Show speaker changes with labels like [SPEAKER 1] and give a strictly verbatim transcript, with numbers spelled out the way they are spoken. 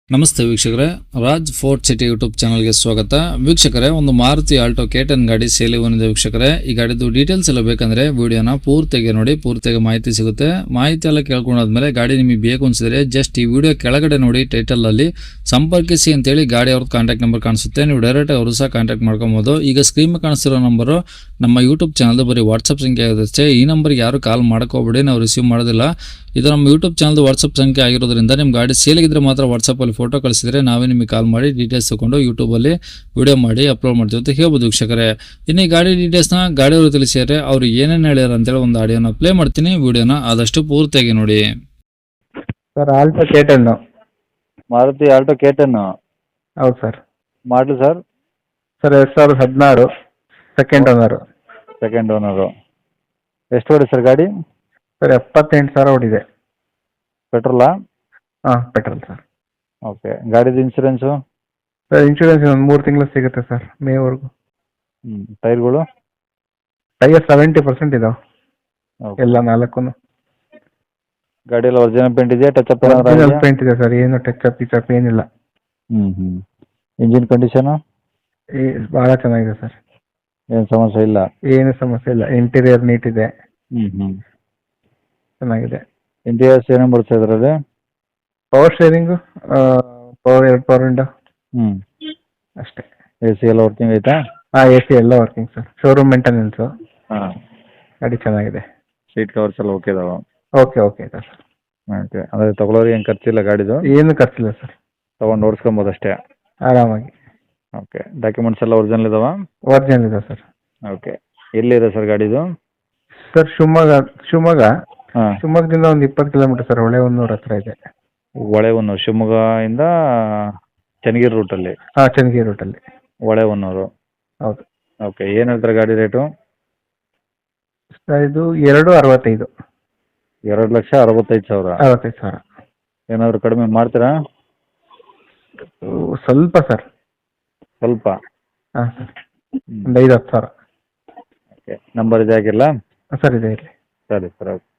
[SPEAKER 1] ನಮಸ್ತೆ ವೀಕ್ಷಕರೇ, Raj fort city YouTube ಚಾನಲ್ಗೆ ಸ್ವಾಗತ. ವೀಕ್ಷಕರೇ, ಒಂದು ಮಾರುತಿ ಆಲ್ಟೋ ಕೆ ಟೆನ್ ಗಾಡಿ ಸೇಲಿ ಬಂದಿದೆ ವೀಕ್ಷಕರೇ. ಈ ಗಾಡಿದು ಡೀಟೇಲ್ಸ್ ಎಲ್ಲ ಬೇಕಂದ್ರೆ ವಿಡಿಯೋನ ಪೂರ್ತಿಯಾಗಿ ನೋಡಿ, ಪೂರ್ತಿಯಾಗಿ ಮಾಹಿತಿ ಸಿಗುತ್ತೆ. ಮಾಹಿತಿ ಎಲ್ಲ ಕೇಳ್ಕೊಂಡಾದ್ಮೇಲೆ ಗಾಡಿ ನಿಮಗೆ ಬೇಕು ಅನ್ಸಿದ್ರೆ ಜಸ್ಟ್ ಈ ವಿಡಿಯೋ ಕೆಳಗಡೆ ನೋಡಿ, ಟೈಟಲ್ ಅಲ್ಲಿ ಸಂಪರ್ಕಿಸಿ ಅಂತೇಳಿ ಗಾಡಿ ಅವ್ರದ್ದು ಕಾಂಟ್ಯಾಕ್ಟ್ ನಂಬರ್ ಕಾಣಿಸುತ್ತೆ. ನೀವು ಡೈರೆಕ್ಟ್ ಅವರು ಸಹ ಕಾಂಟ್ಯಾಕ್ಟ್ ಮಾಡ್ಕೊಬೋದು. ಈಗ ಸ್ಕ್ರೀನ್ ಮೇಲೆ ಕಾಣಿಸ್ತಿರೋ ನಂಬರು ನಮ್ಮ ಯೂಟ್ಯೂಬ್ ಚಾನಲ್ ಬರೀ ವಾಟ್ಸಪ್ ಸಂಖ್ಯೆ ಆಗುತ್ತೆ. ಈ ನಂಬರ್ಗೆ ಯಾರು ಕಾಲ್ ಮಾಡ್ಕೋಬೇಡಿ, ನಾವು ರಿಸೀವ್ ಮಾಡೋದಿಲ್ಲ. ಇದು ನಮ್ಮ ಯೂಟ್ಯೂಬ್ ಚಾನಲ್ ವಾಟ್ಸಪ್ ಸಂಖ್ಯೆ ಆಗಿರೋದ್ರಿಂದ ನಿಮ್ಮ ಗಾಡಿ ಸೇಲಿಗಿದ್ರೆ ಮಾತ್ರ ವಾಟ್ಸಪ್ಪಲ್ಲಿ ಫೋಟೋ ಕಳಿಸಿದ್ರೆ ನಾವೇ ನಿಮಗೆ ಕಾಲ್ ಮಾಡಿ ಡೀಟೇಲ್ಸ್ ತಗೊಂಡು ಯೂಟ್ಯೂಬಲ್ಲಿ ವಿಡಿಯೋ ಮಾಡಿ ಅಪ್ಲೋಡ್ ಮಾಡ್ತೀವಿ ಅಂತ ಹೇಳ್ಬೋದು ವೀಕ್ಷಕರೇ. ಇನ್ನು ಈ ಗಾಡಿ ಡೀಟೇಲ್ಸ್ನ ಗಾಡಿಯವರು ತಿಳಿಸಿದರೆ ಅವರು ಏನೇನು ಹೇಳ್ಯಾರ ಅಂತೇಳಿ ಒಂದು ಆಡಿಯೋನ ಪ್ಲೇ ಮಾಡ್ತೀನಿ. ವಿಡಿಯೋನ ಆದಷ್ಟು ಪೂರ್ತಿಯಾಗಿ ನೋಡಿ.
[SPEAKER 2] Sir Alto K ten.
[SPEAKER 3] Maruti Alto K ten.
[SPEAKER 2] ಹೌದು ಸರ್.
[SPEAKER 3] ಮಾಡಲು ಸರ್
[SPEAKER 2] ಸರ್ ಎರಡು ಸಾವಿರದ ಹದಿನಾರು, ಸೆಕೆಂಡ್ ಓನರು.
[SPEAKER 3] Second owner. ಎಷ್ಟು ಓಡಿ ಸರ್ ಗಾಡಿ?
[SPEAKER 2] ಸರ್ ಎಪ್ಪತ್ತೆಂಟು ಸಾವಿರ ಓಡಿದೆ.
[SPEAKER 3] ಪೆಟ್ರೋಲಾ?
[SPEAKER 2] ಹಾಂ, ಪೆಟ್ರೋಲ್ ಸರ್.
[SPEAKER 3] ಓಕೆ. ಗಾಡಿದು ಇನ್ಸೂರೆನ್ಸು?
[SPEAKER 2] ಸರ್ ಇನ್ಶೂರೆನ್ಸ್ ಒಂದು ಮೂರು ತಿಂಗಳು ಸಿಗುತ್ತೆ ಸರ್, ಮೇವರೆಗೂ.
[SPEAKER 3] ಹ್ಞೂ. ಟೈರ್ಗಳು?
[SPEAKER 2] ಟೈರ್ ಸೆವೆಂಟಿ ಪರ್ಸೆಂಟ್ ಇದಾವೆ
[SPEAKER 3] ಓಕೆ.
[SPEAKER 2] ಎಲ್ಲ ನಾಲ್ಕು.
[SPEAKER 3] ಗಾಡಿ ಎಲ್ಲ ಒರಿಜಿನಲ್ ಪೇಂಟ್ ಇದೆಯಾ? ಟಚ್ ಅಪ್
[SPEAKER 2] ಒರಿಜಿನಲ್ ಪೇಂಟ್ ಇದೆ ಸರ್, ಏನು ಟಚ್ ಅಪ್ ಗಿಚ್ ಅಪ್ ಏನಿಲ್ಲ.
[SPEAKER 3] ಹ್ಞೂ ಹ್ಞೂ. Engine condition?
[SPEAKER 2] ಈ ಭಾಳ ಚೆನ್ನಾಗಿದೆ ಸರ್,
[SPEAKER 3] ಏನು ಸಮಸ್ಯೆ ಇಲ್ಲ?
[SPEAKER 2] ಏನು ಸಮಸ್ಯೆ ಇಲ್ಲ. ಇಂಟೀರಿಯರ್ ನೀಟ್ ಇದೆ,
[SPEAKER 3] ಹ್ಞೂ ಹ್ಞೂ.
[SPEAKER 2] ಚೆನ್ನಾಗಿದೆ.
[SPEAKER 3] ಇಂಟೀರಿಯರ್ಸ್ ಏನೇನು ಬರುತ್ತೆ ಇದರಲ್ಲಿ?
[SPEAKER 2] ಪವರ್ ಶೇರಿಂಗು, ಪವರ್ ಎರಡು ಪವರ್ ವಿಂಡೋ
[SPEAKER 3] ಹ್ಞೂ.
[SPEAKER 2] ಅಷ್ಟೇ.
[SPEAKER 3] ಎ ಸಿ ಎಲ್ಲ ವರ್ಕಿಂಗ್ ಐತಾ?
[SPEAKER 2] ಹಾಂ, ಎ ಸಿ ಎಲ್ಲ ವರ್ಕಿಂಗ್ ಸರ್. Showroom maintenance.
[SPEAKER 3] ಹಾಂ.
[SPEAKER 2] ಗಾಡಿ ಚೆನ್ನಾಗಿದೆ.
[SPEAKER 3] ಸೀಟ್ ಕವರ್ಸ್ ಎಲ್ಲ ಓಕೆ ಇದಾವೆ?
[SPEAKER 2] ಓಕೆ ಓಕೆ ಇದೆ ಸರ್.
[SPEAKER 3] ಓಕೆ. ಅಂದರೆ ತೊಗೊಳೋರು ಏನು ಖರ್ಚಿಲ್ಲ ಗಾಡಿದು?
[SPEAKER 2] ಏನು ಖರ್ಚಿಲ್ಲ ಸರ್,
[SPEAKER 3] ತೊಗೊಂಡು ಓಡಿಸ್ಕೊಬೋದು ಅಷ್ಟೇ?
[SPEAKER 2] ಆರಾಮಾಗಿ.
[SPEAKER 3] ಓಕೆ. ಡಾಕ್ಯುಮೆಂಟ್ಸ್ ಎಲ್ಲ ಒರಿಜಿನಲ್ ಇದಾವಾ?
[SPEAKER 2] ಒರಿಜಿನಲ್ ಇದೆ ಸರ್.
[SPEAKER 3] ಓಕೆ. ಎಲ್ಲಿದೆ ಸರ್ ಗಾಡಿದು?
[SPEAKER 2] ಸರ್ ಶಿವಮೊಗ್ಗ. ಶಿವಮೊಗ್ಗ
[SPEAKER 3] ಹಾಂ.
[SPEAKER 2] ಶಿವಮೊಗ್ಗದಿಂದ ಒಂದು ಇಪ್ಪತ್ತು ಕಿಲೋಮೀಟರ್ ಸರ್, ಹೊಳೆಹೊನ್ನೂರು ಹತ್ರ ಇದೆ.
[SPEAKER 3] ಹೊಳೆಹೊನ್ನೂರು, ಶಿವಮೊಗ್ಗದಿಂದ ಚನ್ನಗಿರಿ ರೂಟಲ್ಲಿ?
[SPEAKER 2] ಹಾಂ, ಚನ್ನಗಿರಿ ರೂಟಲ್ಲಿ.
[SPEAKER 3] ಹೊಳೆಹೊನ್ನೂರು.
[SPEAKER 2] ಹೌದು.
[SPEAKER 3] ಓಕೆ. ಏನು ಹೇಳ್ತಾರೆ ಗಾಡಿ ರೇಟು?
[SPEAKER 2] ಸರ್ ಇದು ಎರಡು ಅರವತ್ತೈದು.
[SPEAKER 3] ಎರಡು ಲಕ್ಷ ಅರವತ್ತೈದು ಸಾವಿರ.
[SPEAKER 2] ಅರವತ್ತೈದು ಸಾವಿರ.
[SPEAKER 3] ಏನಾದರೂ ಕಡಿಮೆ ಮಾಡ್ತೀರಾ?
[SPEAKER 2] ಸ್ವಲ್ಪ ಸರ್.
[SPEAKER 3] ಸ್ವಲ್ಪ?
[SPEAKER 2] ಹಾಂ ಸರ್, ಒಂದು ಐದು ಹತ್ತು ಸಾವಿರ.
[SPEAKER 3] ಓಕೆ. ನಂಬರ್ ಇದೆ ಆಗಿಲ್ಲ?
[SPEAKER 2] ಸರ್ ಇದೆ ಇರಲಿ.
[SPEAKER 3] ಸರಿ ಸರ್. ಓಕೆ.